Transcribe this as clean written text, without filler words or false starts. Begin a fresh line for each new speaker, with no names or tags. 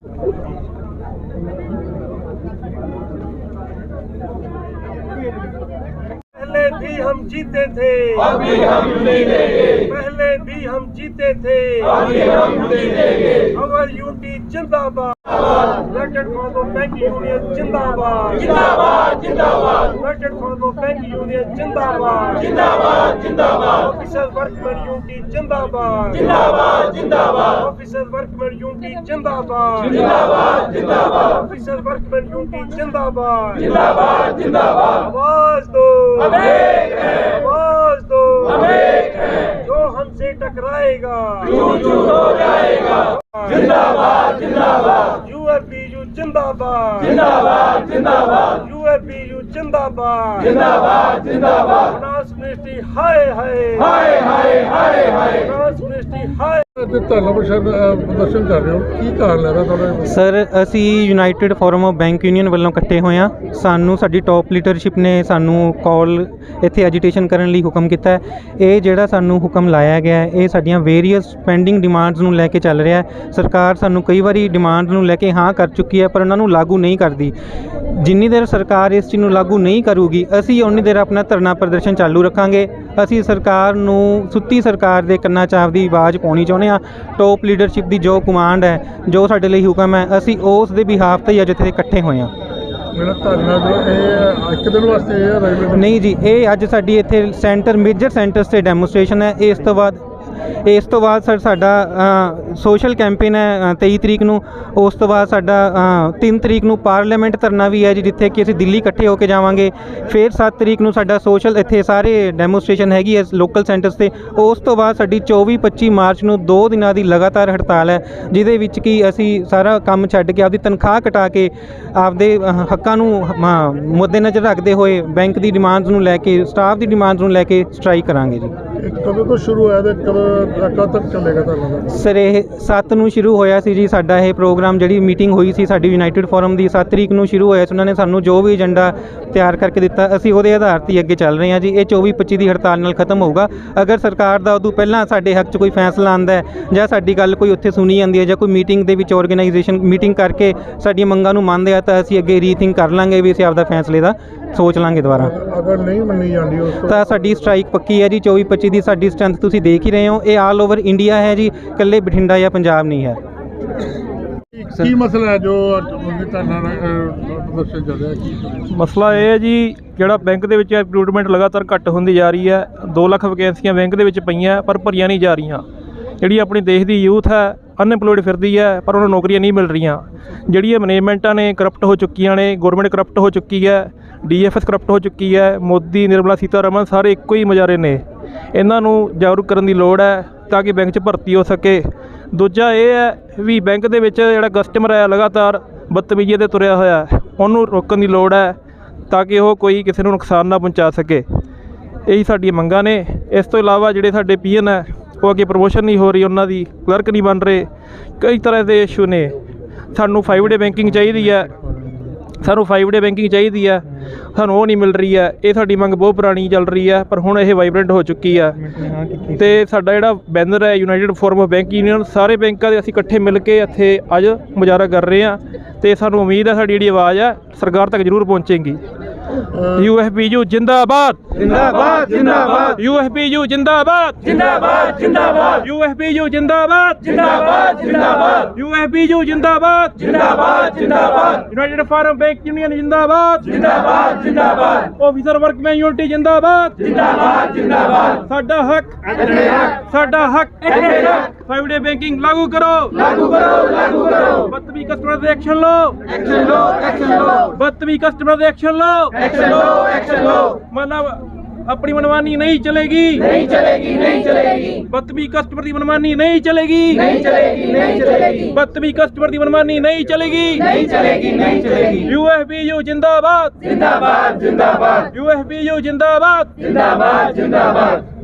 पहले भी हम जीते थे,
अभी हम जीतेंगे।
पहले भी हम जीते थे,
अभी हम जीतेंगे।
अवर यूनिटी जिंदाबाद, united for the bank union जिंदाबाद,
जिंदाबाद जिंदाबाद
united for the bank union जिंदाबाद,
जिंदाबाद जिंदाबाद
ऑफिसर वर्कमैन यूनिटी जिंदाबाद,
जिंदाबाद जिंदाबाद
ऑफिसर वर्कमैन यूनिटी जिंदाबाद,
जिंदाबाद जिंदाबाद
ऑफिसर वर्कमैन यूनिटी जिंदाबाद,
जिंदाबाद जिंदाबाद।
आवाज दो,
हम एक हैं,
आवाज दो,
हम एक हैं।
जो हमसे टकराएगा
चूर चूर हो जाएगा। जिंदाबाद जिंदाबाद
यूएफबीयू जिंदाबाद,
जिंदाबाद जिंदाबाद
यूएफबीयू जिंदाबाद,
जिंदाबाद जिंदाबाद।
फाइनेंस मिनिस्ट्री हाय हाय,
हाय हाय हाय हाय।
फाइनेंस मिनिस्ट्री हाय।
ਧਰਨਾ ਪ੍ਰਦਰਸ਼ਨ ਕਰ ਰਹੇ ਹੋ, ਕੀ ਕਾਰਨ ਹੈ ਤੁਹਾਡਾ?
ਸਰ ਅਸੀਂ united forum of bank union ਵੱਲੋਂ ਇਕੱਠੇ ਹੋਏ ਹਾਂ। ਸਾਨੂੰ ਸਾਡੀ ਟੌਪ ਲੀਡਰਸ਼ਿਪ ਨੇ ਸਾਨੂੰ ਕਾਲ ਇੱਥੇ ਐਜੀਟੇਸ਼ਨ ਕਰਨ ਲਈ ਹੁਕਮ ਕੀਤਾ ਹੈ। ਇਹ ਜਿਹੜਾ ਸਾਨੂੰ ਹੁਕਮ ਲਾਇਆ ਗਿਆ ਹੈ, ਇਹ ਸਾਡੀਆਂ ਵੇਰੀਅਸ ਪੈਂਡਿੰਗ ਡਿਮਾਂਡਸ ਨੂੰ ਲੈ ਕੇ ਚੱਲ ਰਿਹਾ ਹੈ। ਸਰਕਾਰ ਸਾਨੂੰ ਕਈ ਵਾਰੀ ਡਿਮਾਂਡ ਨੂੰ ਲੈ ਕੇ ਹਾਂ ਕਰ ਚੁੱਕੀ ਹੈ, ਪਰ ਉਹਨਾਂ ਨੂੰ ਲਾਗੂ ਨਹੀਂ ਕਰਦੀ। ਜਿੰਨੀ ਦੇਰ ਸਰਕਾਰ ਇਸ ਚੀਜ਼ ਨੂੰ ਲਾਗੂ ਨਹੀਂ ਕਰੂਗੀ, ਅਸੀਂ ਉਨੀ ਦੇਰ ਆਪਣਾ ਧਰਨਾ ਪ੍ਰਦਰਸ਼ਨ ਚਾਲੂ ਰੱਖਾਂਗੇ। ਅਸੀਂ ਸਰਕਾਰ ਨੂੰ ਸੁੱਤੀ ਸਰਕਾਰ ਦੇ ਕੰਨਾਂ 'ਚ ਆਪਦੀ ਆਵਾਜ਼ ਪਾਉਣੀ ਚਾਹੁੰਦੇ ਹਾਂ। ਟੌਪ ਲੀਡਰਸ਼ਿਪ ਦੀ ਜੋ ਕਮਾਂਡ ਹੈ, ਜੋ ਸਾਡੇ ਲਈ ਹੁਕਮ ਹੈ, ਅਸੀਂ ਉਸ ਦੇ ਬਿਹਾਫ 'ਤੇ ਅੱਜ ਇੱਥੇ ਇਕੱਠੇ ਹੋਏ ਹਾਂ।
ਮੇਰਾ ਧਰਨਾ ਜੋ ਇਹ ਇੱਕ ਦਿਨ ਵਾਸਤੇ ਇਹ ਰੈਗੂਲਰ
ਨਹੀਂ ਜੀ, ਇਹ ਅੱਜ ਸਾਡੀ ਇੱਥੇ ਮੇਜਰ ਸੈਂਟਰਸ 'ਤੇ ਡੈਮੋਸਟ੍ਰੇਸ਼ਨ ਹੈ। ਇਸ ਤੋਂ ਬਾਅਦ ਸਰ ਸਾਡਾ ਸੋਸ਼ਲ ਕੈਂਪੇਨ ਹੈ 23 ਤਰੀਕ ਨੂੰ। ਉਸ ਤੋਂ ਬਾਅਦ ਸਾਡਾ 3 ਤਰੀਕ ਨੂੰ ਪਾਰਲੀਮੈਂਟ ਧਰਨਾ ਵੀ ਹੈ ਜੀ, ਜਿੱਥੇ ਕਿ ਅਸੀਂ ਦਿੱਲੀ ਇਕੱਠੇ ਹੋ ਕੇ ਜਾਵਾਂਗੇ। ਫਿਰ 7 ਤਰੀਕ ਨੂੰ ਸਾਡਾ ਸੋਸ਼ਲ ਇੱਥੇ ਸਾਰੇ ਡੈਮੋਸਟ੍ਰੇਸ਼ਨ ਹੈਗੀ ਹੈ ਲੋਕਲ ਸੈਂਟਰਸ 'ਤੇ। ਉਸ ਤੋਂ ਬਾਅਦ ਸਾਡੀ 24-25 ਮਾਰਚ ਨੂੰ 2 ਦਿਨਾਂ ਦੀ ਲਗਾਤਾਰ ਹੜਤਾਲ ਹੈ, ਜਿਹਦੇ ਵਿੱਚ ਕਿ ਅਸੀਂ ਸਾਰਾ ਕੰਮ ਛੱਡ ਕੇ ਆਪਦੀ ਤਨਖਾਹ ਕਟਾ ਕੇ ਆਪਦੇ ਹੱਕਾਂ ਨੂੰ ਮੱਦੇਨਜ਼ਰ ਰੱਖਦੇ ਹੋਏ ਬੈਂਕ ਦੀ ਡਿਮਾਂਡਸ ਨੂੰ ਲੈ ਕੇ, ਸਟਾਫ ਦੀ ਡਿਮਾਂਡਸ ਨੂੰ ਲੈ ਕੇ ਸਟ੍ਰਾਈਕ ਕਰਾਂਗੇ ਜੀ।
ਕਦੋਂ ਤੋਂ ਸ਼ੁਰੂ ਹੋਇਆ ਤੇ ਕਦੋਂ ਤੱਕ ਚੱਲੇਗਾ ਧਰਨਾ?
ਸਰ ਇਹ 7 ਨੂੰ ਸ਼ੁਰੂ ਹੋਇਆ ਸੀ ਜੀ ਸਾਡਾ ਇਹ ਪ੍ਰੋਗਰਾਮ। ਜਿਹੜੀ ਮੀਟਿੰਗ ਹੋਈ ਸੀ ਸਾਡੀ ਯੂਨਾਈਟਿਡ ਫੋਰਮ ਦੀ 7 ਤਰੀਕ ਨੂੰ ਸ਼ੁਰੂ ਹੋਇਆ ਸੀ। ਉਹਨਾਂ ਨੇ ਸਾਨੂੰ ਜੋ ਵੀ ਏਜੰਡਾ ਤਿਆਰ ਕਰਕੇ ਦਿੱਤਾ, ਅਸੀਂ ਉਹਦੇ ਆਧਾਰ 'ਤੇ ਅੱਗੇ ਚੱਲ ਰਹੇ ਹਾਂ ਜੀ। ਇਹ 24-25 ਦੀ ਹੜਤਾਲ ਨਾਲ ਖਤਮ ਹੋਊਗਾ। ਅਗਰ ਸਰਕਾਰ ਦਾ ਉਦੋਂ ਪਹਿਲਾਂ ਸਾਡੇ ਹੱਕ 'ਚ ਕੋਈ ਫੈਸਲਾ ਆਉਂਦਾ ਹੈ, ਜਾਂ ਸਾਡੀ ਗੱਲ ਕੋਈ ਉੱਥੇ ਸੁਣੀ ਜਾਂਦੀ ਹੈ, ਜਾਂ ਕੋਈ ਮੀਟਿੰਗ ਦੇ ਵਿੱਚ ਆਰਗੇਨਾਈਜੇਸ਼ਨ ਮੀਟਿੰਗ ਕਰਕੇ ਸਾਡੀਆਂ ਮੰਗਾਂ ਨੂੰ ਮੰਨਦੇ ਆ, ਤਾਂ ਅਸੀਂ ਅੱਗੇ ਰੀਥਿੰਕ ਕਰ ਲਾਂਗੇ ਵੀ ਅਸੀਂ ਆਪਦਾ ਫੈਸਲੇ ਦਾ ਸੋਚ ਲਾਂਗੇ ਦੁਬਾਰਾ।
ਅਗਰ ਨਹੀਂ ਮੰਨੀ ਜਾਂਦੀ ਉਸ
ਤਾਂ ਸਾਡੀ ਸਟ੍ਰਾਈਕ ਪੱਕੀ ਹੈ ਜੀ। 24-25 ਦੀ ਸਾਡੀ ਸਟਰੈਂਥ ਤੁਸੀਂ ਦੇਖ ਹੀ ਰਹੇ ਹੋ। ਇਹ ਆਲ ਓਵਰ ਇੰਡੀਆ ਹੈ ਜੀ, ਇਕੱਲੇ ਬਠਿੰਡਾ ਜਾਂ ਪੰਜਾਬ ਨਹੀਂ ਹੈ।
ਕੀ ਮਸਲਾ ਹੈ ਜੋ ਧਰਨਾ ਪ੍ਰਦਰਸ਼ਨ ਚੱਲ ਰਿਹਾ? ਕੀ
ਮਸਲਾ ਇਹ ਹੈ ਜੀ, ਜਿਹੜਾ ਬੈਂਕ ਦੇ ਵਿੱਚ ਰਿਕਰੂਟਮੈਂਟ ਲਗਾਤਾਰ ਘੱਟ ਹੁੰਦੀ ਜਾ ਰਹੀ ਹੈ। 2 ਲੱਖ ਵੈਕੈਂਸੀਆਂ ਬੈਂਕ ਦੇ ਵਿੱਚ ਪਈਆਂ, ਪਰ ਭਰੀਆਂ ਨਹੀਂ ਜਾ ਰਹੀਆਂ। ਜਿਹੜੀ ਆਪਣੀ ਦੇਸ਼ ਦੀ ਯੂਥ ਹੈ ਅਨਐਮਪਲੋਇਡ ਫਿਰਦੀ ਹੈ, ਪਰ ਉਹਨਾਂ ਨੂੰ ਨੌਕਰੀਆਂ ਨਹੀਂ ਮਿਲ ਰਹੀਆਂ। ਜਿਹੜੀਆਂ ਮੈਨੇਜਮੈਂਟਾਂ ਨੇ ਕਰਪਟ ਹੋ ਚੁੱਕੀਆਂ ਨੇ, ਗੌਰਮੈਂਟ ਕਰਪਟ ਹੋ ਚੁੱਕੀ ਹੈ, DFS ਕਰਪਟ ਹੋ ਚੁੱਕੀ ਹੈ। ਮੋਦੀ, ਨਿਰਮਲਾ ਸੀਤਾਰਮਨ ਸਾਰੇ ਇੱਕੋ ਹੀ ਮੁਜ਼ਾਹਰੇ ਨੇ। ਇਹਨਾਂ ਨੂੰ ਜਾਗਰੂਕ ਕਰਨ ਦੀ ਲੋੜ ਹੈ ਤਾਂ ਕਿ ਬੈਂਕ 'ਚ ਭਰਤੀ ਹੋ ਸਕੇ। ਦੂਜਾ ਇਹ ਹੈ ਵੀ ਬੈਂਕ ਦੇ ਵਿੱਚ ਜਿਹੜਾ ਕਸਟਮਰ ਹੈ ਲਗਾਤਾਰ ਬਦਤਮੀਜ਼ੀ 'ਤੇ ਤੁਰਿਆ ਹੋਇਆ, ਉਹਨੂੰ ਰੋਕਣ ਦੀ ਲੋੜ ਹੈ ਤਾਂ ਕਿ ਉਹ ਕੋਈ ਕਿਸੇ ਨੂੰ ਨੁਕਸਾਨ ਨਾ ਪਹੁੰਚਾ ਸਕੇ। ਇਹੀ ਸਾਡੀਆਂ ਮੰਗਾਂ ਨੇ। ਇਸ ਤੋਂ ਇਲਾਵਾ ਜਿਹੜੇ ਸਾਡੇ PN ਹੈ, ਉਹ ਅੱਗੇ ਪ੍ਰਮੋਸ਼ਨ ਨਹੀਂ ਹੋ ਰਹੀ, ਉਹਨਾਂ ਦੀ ਕਲਰਕ ਨਹੀਂ ਬਣ ਰਹੇ, ਕਈ ਤਰ੍ਹਾਂ ਦੇ ਇਸ਼ੂ ਨੇ। ਸਾਨੂੰ 5 ਡੇ ਬੈਂਕਿੰਗ ਚਾਹੀਦੀ ਹੈ, ਸਾਨੂੰ 5 ਡੇ ਬੈਂਕਿੰਗ ਚਾਹੀਦੀ ਹੈ, ਸਾਨੂੰ ਉਹ ਨਹੀਂ ਮਿਲ ਰਹੀ ਹੈ। ਇਹ ਸਾਡੀ ਮੰਗ ਬਹੁਤ ਪੁਰਾਣੀ ਚੱਲ ਰਹੀ ਹੈ, ਪਰ ਹੁਣ ਇਹ ਵਾਈਬਰੈਂਟ ਹੋ ਚੁੱਕੀ ਹੈ। ਤੇ ਸਾਡਾ ਜਿਹੜਾ ਬੈਨਰ ਹੈ united forum of bank union, ਸਾਰੇ ਬੈਂਕਾਂ ਦੇ ਅਸੀਂ ਇਕੱਠੇ ਮਿਲ ਕੇ ਇੱਥੇ ਅੱਜ ਮੁਜ਼ਾਹਰਾ ਕਰ ਰਹੇ ਹਾਂ। ਤੇ ਸਾਨੂੰ ਉਮੀਦ ਹੈ ਸਾਡੀ ਜਿਹੜੀ ਆਵਾਜ਼ ਹੈ ਸਰਕਾਰ ਤੱਕ ਜ਼ਰੂਰ ਪਹੁੰਚੇਗੀ। UFBU ਜਿੰਦਾਬਾਦ,
जिंदाबाद जिंदाबाद
UFBU ਜਿੰਦਾਬਾਦ,
जिंदाबाद जिंदाबाद
UFBU ਜਿੰਦਾਬਾਦ,
जिंदाबाद जिंदाबाद
UFBU ਜਿੰਦਾਬਾਦ,
जिंदाबाद जिंदाबाद
ਯੂਨਾਈਟਿਡ ਫਾਰਮ ਬੈਂਕ ਯੂਨੀਅਨ ਜਿੰਦਾਬਾਦ,
जिंदाबाद जिंदाबाद
ਆਫਿਸਰ ਵਰਕਮੈਨ ਯੂਨਿਟੀ ਜਿੰਦਾਬਾਦ,
जिंदाबाद जिंदाबाद।
ਸਾਡਾ ਹੱਕ, ਸਾਡਾ ਹੱਕ 5 ਡੇ ਬੈਂਕਿੰਗ ਲਾਗੂ ਕਰੋ,
लागू करो लागू करो।
ਬਦਤਮੀਜ਼ ਕਸਟਮਰ ਦੇ ਐਕਸ਼ਨ ਲਓ,
एक्शन लो एक्शन लो
ਬਦਤਮੀਜ਼ ਕਸਟਮਰ ਦੇ ਐਕਸ਼ਨ ਲਓ।
एक्शन लो एक्शन लो।
मतलब अपनी मनमानी नहीं चलेगी,
नहीं चलेगी नहीं चलेगी
बदतमीज कस्टमर की मनमानी नहीं चलेगी,
नहीं चलेगी नहीं चलेगी
बदतमीज कस्टमर की मनमानी नहीं चलेगी।
नहीं चलेगी नहीं चलेगी।
UFBU जिंदाबाद,
जिंदाबाद जिंदाबाद
UFBU जिंदाबाद।
जिंदाबाद जिंदाबाद।